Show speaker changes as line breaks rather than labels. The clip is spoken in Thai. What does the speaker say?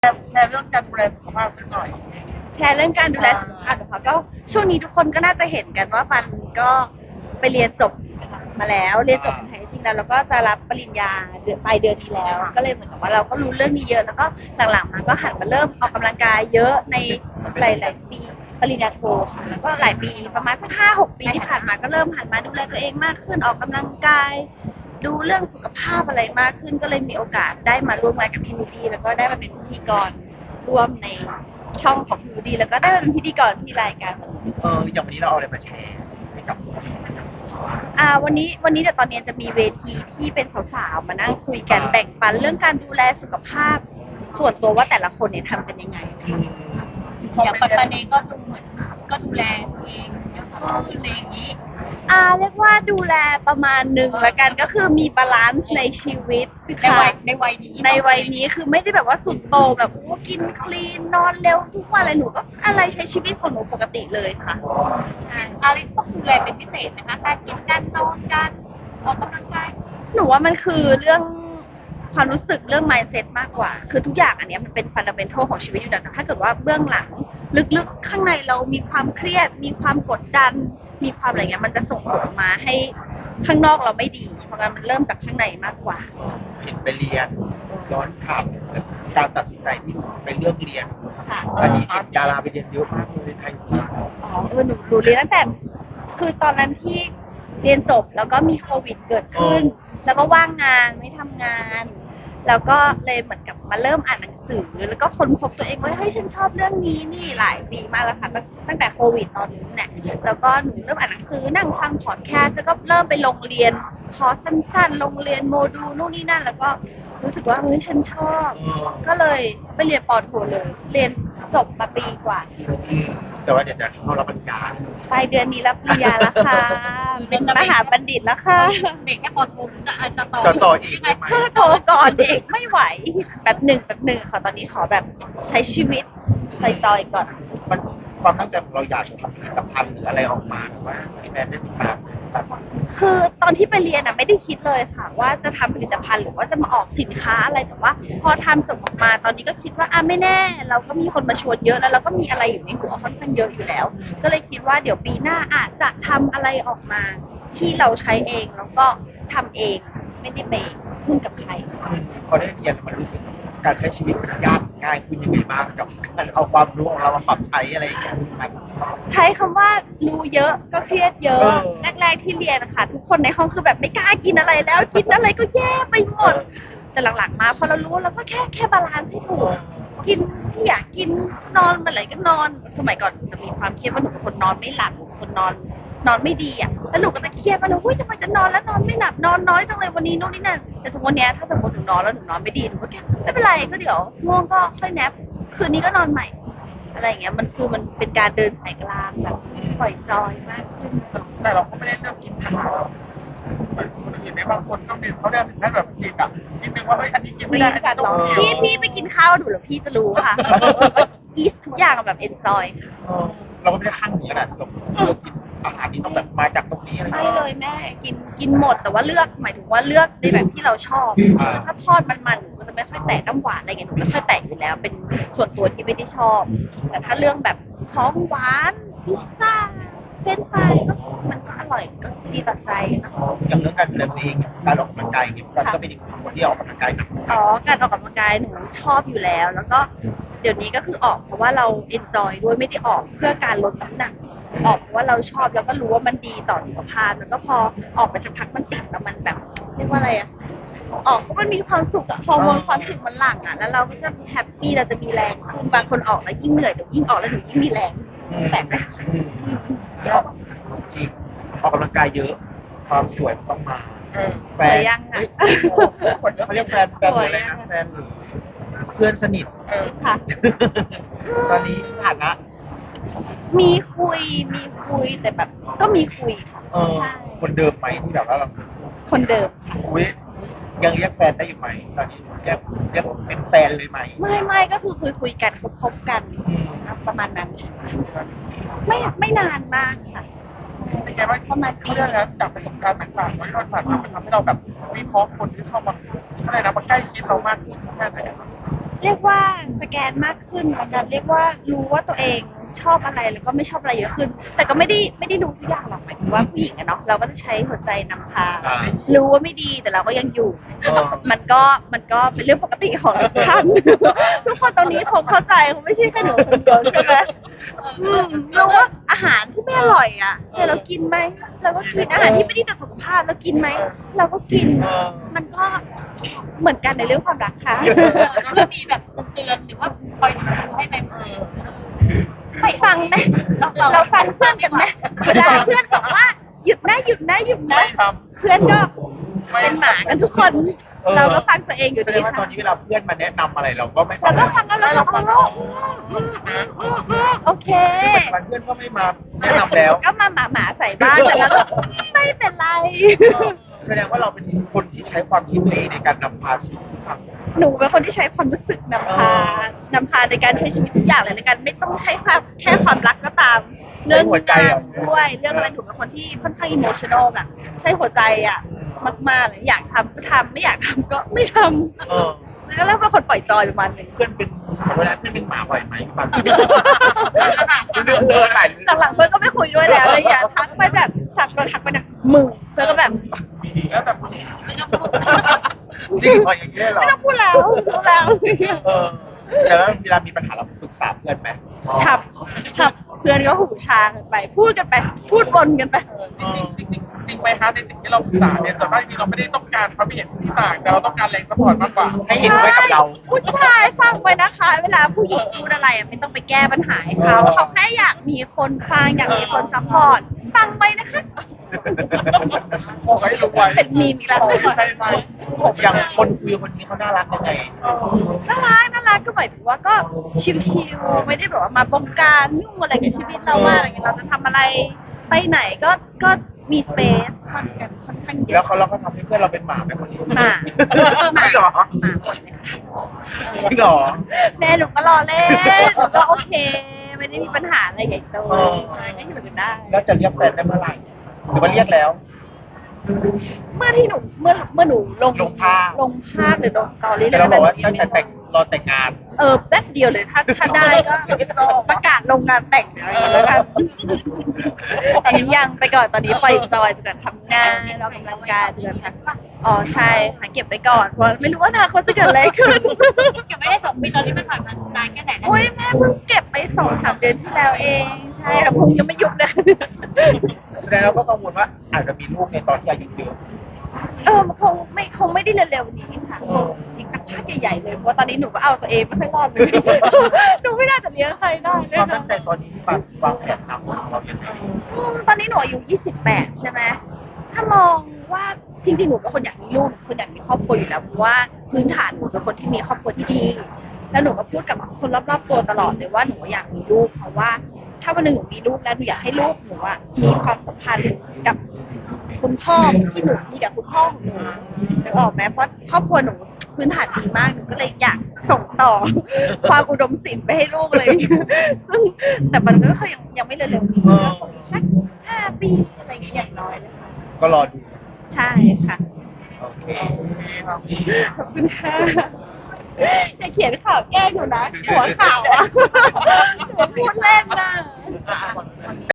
แชร์เรื่องการดูแลสุขภาพสักหน่อย
แชร์เรื่องการดูแลสุขภาพนะคะก็ช่วงนี้ทุกคนก็น่าจะเห็นกันว่าปันก็ไปเรียนจบมาแล้วเรียนจบแท้จริงแล้วก็จะรับปริญญาปลายเดือนนี้แล้วก็เลยเหมือนกับว่าเราก็รู้เรื่องนี้เยอะแล้วก็หลังๆมาก็หันมาเริ่มออกกำลังกายเยอะในหลายๆปีปริญญาโทค่ะแล้วก็หลายปีประมาณสัก5-6 ปีที่ผ่านมาก็เริ่มหันมาดูแลตัวเองมากขึ้นออกกำลังกายดูเรื่องสุขภาพอะไรมากขึ้นก็เลยมีโอกาสได้มาร่วมงานกับพี่นูดี้แล้วก็ได้มาเป็นพิธีกรร่วมในช่องของพี่นูดี้แล้วก็ได้มาเป็นพิธีกรที่รายการ
อย่างวันนี้เราเอาอะไรมาแชร์ให้กับ
วันนี้เดี๋ยวตอนนี้จะมีเวทีที่เป็นสาวๆมานั่งคุยกันแบ่งปันเรื่องการดูแลสุขภาพส่วนตัวว่าแต่ละคนเนี่ยทำกันยังไง
อย่างปัจจุบันนี้ก็ดูเหมือนก็ดูแลตัวเองเยอะขึ้นอะไรอย่างนี้
เรียกว่าดูแลประมาณหนึ่งละกันก็คือมีบาลานซ์ในชีวิตในวัยนี้คือไม่ได้แบบว่าสุดโตงแบบกินคลีนนอนเร็วทุกวันอะไรหนูก็อะไรใช้ชีวิตของหนูปกติเลยค่ะ
ใช่อะไรต้องดูแลเป็นพิเศษนะคะการกินการนอนการออกกำลังกาย
หนูว่ามันคือเรื่องความรู้สึกเรื่อง mindset มากกว่าคือทุกอย่างอันนี้มันเป็น fundamental ของชีวิตอยู่แล้วแต่ถ้าเกิดว่าเบื้องหลังลึกๆข้างในเรามีความเครียดมีความกดดันมีความอะไรเงี้ยมันจะส่งผลมาให้ข้างนอกเราไม่ดีเพราะงั้นมันเริ่มจากข้างในมากกว่า
เห็นไปเรียนย้อนถามการตัดสินใจที่ไปเลือกเรียน
ค่ะ
อันนี้เห็นดาราไปเรียนเยอะมากเลยไทยจริง
หนูเรียนตั้งแต่คือตอนนั้นที่เรียนจบแล้วก็มีโควิดเกิดขึ้นแล้วก็ว่างงานไม่ทำงานแล้วก็เลยเหมือนกับมาเริ่มอ่านหนังสือแล้วก็ค้นพบตัวเองว่าเฮ้ยฉันชอบเรื่องนี้นี่หลายปีมากแล้วค่ะตั้งแต่โควิดตอนนี้เนี่ยแล้วก็หนูเริ่มอ่านหนังสือนั่งฟังพอดแคสต์แล้วก็เริ่มไปลงเรียนคอร์สสั้นๆลงเรียนโมดูลนู่นนี่นั่นแล้วก็รู้สึกว่าเฮ้ยฉันชอบก็เลยไปเรียนปอโทเลยเรียนจบมาปีกว่า
แต่ว่าเดี๋ยวจะเข้ารับปริญญา
ปลายเดือนนี้รับปริญญาแล้วค่ะเป็นมหาบัณฑิตแล้วค่ะ
เด็กแค่ปอโทจะ
ต่ออีกไหม
ถ้าโทรก่อนเด็กไม่ไหวแบบหนึ่งค่ะตอนนี้ขอแบบใช้ชีวิตต่อยๆก่อน
มันความตั้งใจของเราอยากจะทำผลิตภัณฑ์หรืออะไรออกมาหรือว่าแบรนด์ได้ติดตามจัด
คือตอนที่ไปเรียนไม่ได้คิดเลยค่ะว่าจะทำผลิตภัณฑ์หรือว่าจะมาออกสินค้าอะไรแต่ว่าพอทำจบออกมาตอนนี้ก็คิดว่าไม่แน่เราก็มีคนมาชวนเยอะแล้วเราก็มีอะไรอยู่ในหัวค่อนข้างเยอะอยู่แล้วก็เลยคิดว่าเดี๋ยวปีหน้าอาจจะทำอะไรออกมาที่เราใช้เองแล้วก็ทำเองไม่ได้ไปพึ่งกับใคร
พอได้เรียนมันรู้สึกการใช้ชีวิตมันยากง่ายขึ้นยังไงบ้างกับการเอาความรู้ของเรามาปรับใช้อะไรอย่างเงี้ย
ใช้คำว่ารู้เยอะก็เครียดเยอะแรกๆที่เรียนนะคะทุกคนในห้องคือแบบไม่กล้ากินอะไรแล้วกินอะไรก็แย่ไปหมดแต่หลังๆมาพอเรารู้เราก็แค่บาลานซ์ให้ถูกกินที่อยากกินนอนเมื่อไหร่ก็นอนสมัยก่อนจะมีความเครียดว่าหนูเป็นคนนอนไม่หลับคนนอนไม่ดีแล้วหนูก็จะเครียดว่าหนูทำไมจะนอนแล้วนอนไม่หลับนอนน้อยจังเลยวันนี้โน่นนี่นั่นแต่ทุกวันนี้ถ้าสมมติหนูนอนแล้วหนูนอนไม่ดีหนูก็แค่ไม่เป็นไรก็เดี๋ยวง่วงก็ค่อยแนปคืนนี้ก็นอนใหม่อะไรอย่างเงี้ยมันเป็นการเดินสายกลางแบบปล่อยจอยมากขึ้น
แต่เราก็ไม่ได้เลือกกินอาหารเหมือนคนอื่นในบางคนก็มีเขาเรียกถึงขั้นแบบจิตนิดนึงว่าเฮ้ยอันนี้กินไม่ได้อันนี้ต้อง
กินพี่ไปกินข้าวดูหรือพี่จะรู้ค่ะอีสทุกอย่างแบบเอนจอยค่ะ
เราก็ไม่ได้ข้างหนีขนาดแบบกินอาหารนี้ต้องแบบมาจากตรงนี้อะไร
ไม่เลยแม่กินหมดแต่ว่าเลือกหมายถึงว่าเลือกในแบบที่เราชอบถ้าทอดมันหนูก็จะไม่ค่อยแตะน้ำหวานอะไรเงี้ยหนูไม่ค่อยแตะอยู่แล้วเป็นส่วนตัวที่ไม่ได้ชอบแต่ถ้าเรื่องแบบของหวานพิซซ่าเฟรนช์ฟรายก็มันก็อร่อยก็ดีต่อใจ
อย่างเรื่องการดูแลตัวเองการออกกำลังกายเนี่ยก็เป็นอีกคนที่ออกกำลังกายหนัก
การออกกำลังกายหนูชอบอยู่แล้วแล้วก็เดี๋ยวนี้ก็คือออกเพราะว่าเราเอนจอยด้วยไม่ได้ออกเพื่อการลดน้ำหนักออกเพราะว่าเราชอบแล้วก็รู้ว่ามันดีต่อสุขภาพแล้วก็พอออกไปสักพักมันติดแล้วมันแบบเรียกว่าอะไรออกเพราะมันมีความสุขฮอร์โมนความสุขมันหลั่งแล้วเราก็จะแฮปปี้เราจะมีแรงขึ้นบางคนออกแล้วยิ่งเหนื่อยเดี๋ยวยิ่งออกแล้วหนูยิ่งมีแรงแปลกไหม
จริงออกกำลังกายเยอะความสวยต้องมา
แฟนยัง
เขาเรียกแฟนอะไรนะแฟนเพื่อนสนิท
ค่ะ
ตอนนี้สถานะ
มีคุยแต่แบบก็มีคุย
ค่ะคนเดิมไหมที่แบบว่าเรา
คนเดิม
คุยยังเรียกแฟนได้อยู่ไหมตอนนี้ยังเป็นแฟนเลยไหม
ไม่ก็คือคุยกันคบกันประมาณนั้นไม่นานมากค่ะ
เป็นไงว่าเขาเรียกนะจากประสบการณ์ต่างๆที่เราผ่านมามันทำให้เราแบบวิเคราะห์คนที่เข้ามาอะไรนะมาใกล้ชิดเรามากขึ้นแค่ไหน
เรียกว่าสแกนมากขึ้นแล้วกันเรียกว่ารู้ว่าตัวเองชอบอะไรแล้วก็ไม่ชอบอะไรเยอะขึ้น แต่ก็ไม่ได้รู้ทุกอย่างหรอกหมายถึงว่าผู้หญิงอะเนาะเราก็จะใช้หัวใจนำพา รู้ว่าไม่ดีแต่เราก็ยังอยู่ มันก็เป็นเรื่องปกติของทุกท่าน ทุกคนตรงนี้คงเข้าใจคงไม่ใช่แค่หนูคนเดียวใช่ไหมรู้ว่าอาหารที่ไม่อร่อยอ่ะแต่เรากินไหมเราก็กินอาหารที่ไม่ดีต่อสุขภาพเรากินไหมเราก็กิน มันก็เหมือนกันในเรื่องความรักค่ะ
แล้วมีแบบเตือนหรือว่าคอยถามให้ไหม
ไปฟังไหมเราฟังเพื่อนกันไหมเวลาเพื่อนบอกว่าหยุดนะหยุดนะหยุดนะ
ไม่ท
เพื่อนก็เป็นหมากันทุกคน เราก็ฟังตัวเองอยู่
แสด
ดี
งว่าตอ
ค่ะ
นนี้เวลาเพื่อนมาแนะนำอะไรเราก็ไม่
เราก็ฟังแล้วเราก็โอเค
ซึ่งปัจจุบันเพื่อนก็ไม่มาแนะนำแล้ว
ก็มาหมาใส่บ้างแต่เราก็ไม่เป็นไร
แสดงว่าเราเป็นคนที่ใช้ความคิดตัวเองในการนำพาชีวิตทุกครั้ง
หนูเป็นคนที่ใช้ความรู้สึกนำพาในการใช้ชีวิตทุกอย่างเลยในการไม่ต้องใช้แค่ความรักก็ตามเรื่องงานด้วยเรื่องอะไรหนูเป็นคนที่ค่อนข้างอิโมชันอลแบบใช้หัวใจอ่ะมากๆเลยอยากทำก็ทำไม่อยากทำก็ไม่ทำ
เออ
ก็เริ่มเป็นคนปล่อยจอยประมาณหนึง
เพื่อนเป็นขอโทษนะเพื่อนเป็นหมาบ่อยไหมบางทีเรื่องเดินหลายเรื่อง
หลังๆเพื่อนก็ไม่คุยด้วยแล้วเลยอย่าทักไปแบบทักไปนะมึงเพื่อนก็แบบ
ำแล้วแต่ผู้หญิง
จริงพออย่างนี้เลยเหรอ
ไม่ต้องพูดแล้วรู้แล้ว
เออแต่ว่าเวลามีปัญหาเราปรึกษาเพื่อนไหม
ฉับเพื่อนก็หูชากันไป พูดกันไป พูดวนกันไป
จริงไปฮะในสิ่งที่เราปรึกษาเนี่ยส่วนมากจริงเราไม่ได้ต้องการความเห็นที่ต่างแต่เราต้องการแรงสปอร์ตมากกว่า
ให้เห็นด้วยกับเรา
ผู้ชายฟังไว้นะคะ เวลาผู้หญิงพูดอะไรอะไม่ต้องไปแก้ปัญหาให้เขาเขาแค่อยากมีคนฟังอยากมีคนซัพพอร์ตฟังไว้นะคะ
บอกให้รู้ไว้
เป็นมีมอีกแล้ว
ใช่ไหม
อย่างคนคุยคนนี้เขาน่ารักยังไง
น่ารักก็หมายถึงว่าก็ชิวๆไม่ได้แบบว่ามาบงการยุ่งอะไรกับชีวิตเรามากอะไรเงี้ยเราจะทำอะไรไปไหนก็มีสเปซค่อนข้างเย
แล้ว
อะ
เราก็ทำให้เพื่อนเราเป็นหมาไหมคนนี้
หมา
ไม่หรอ
หมาหมดเลยค่ะ
จริงเหรอ
แม่หนูก็รอเล่นหนูก็โอเค ไม่ได้มีปัญหาอะไรใหญ่โตก็อยู่กันได้
แล้วจะเรียกแฟนได้เมื่อไหร่หรือว่าเรียกแล้ว
เมื่อที่หนูเมื่อหนูลงภาพหรือลงสตอรี่
แต่เราบอกว่าตั้งแต่แต่งรอแต่งงาน
แป๊บเดียวเลยถ้าได้ก็ประกาศลงงานแต่งแล้วกันตอนนี้ยังไปก่อนตอนนี้ปล่อยจอยเดือนทำงานเรากำลังกายเดือนค่ะอ๋อใช่หาเก็บไปก่อนเพราะไม่รู้ว่าอนาคตจะเกิดอะไรขึ้น
เก็บไม่ได้2 ปีตอนนี้มันผ่านมานานแค่ไหนแล้ว
โอ้ยแม่เพิ่งเก็บไป2-3 เดือนที่แล้วเองใช่ค่ะพุงยังไม่ยุบเลย
แสดงเราก็กังวลว่าอาจจะมีลูกในตอนที่อายุเยอะ
มันคงไม่ได้เร็วๆนี้ค่ะคงอีกสักพักใหญ่ๆเลยเพราะว่าตอนนี้หนูก็เอาตัวเองไม่ค่อยรอดเลย หนูไม่น่าจะเลี้ยงใครได้เล
ค
ยว
าม
ค่ะ
ตั้งใจตอนนี้ที่วางแผนทำของเรายังไง
ตอนนี้หนูอายุ28ใช่ไหมถ้ามองว่าจริงๆหนูเป็นคนอยากมีลูกคนอยากมีครอบครัวอยู่แล้วเพราะว่าพื้นฐานหนูเป็นคนที่มีครอบครัวที่ดี แล้วหนูก็พูดกับคนรอบๆตัวตลอดเลยว่าหนูอยากมีลูกเพราะว่า ถ้าวันหนึ่งหนูมีลูกแล้วหนูอยากให้ลูกหนูอะมีความสัมพันธ์กับคุณพ่อที่หนูมีกับคุณพ่อของหนูนึกออกไหมเพราะครอบครัวหนูพื้นฐานดีมากหนูก็เลยอยากส่งต่อ ความอุดมศิลป์ไปให้ลูกเลย ซึ่งแต่มันก็คือยังไม่เร็วๆนี้ก็คงสัก5 ปีอะไรอย่างเงี้ยอย่างน้อยเลยค่ะ
ก็รอดู
ใช่ค่ะ
โอเค
ขอบคุณค่ะอย่าเขียนข่าวแกล้งหนูนะหัวข่าวอะ หนูพูดเล่นนะ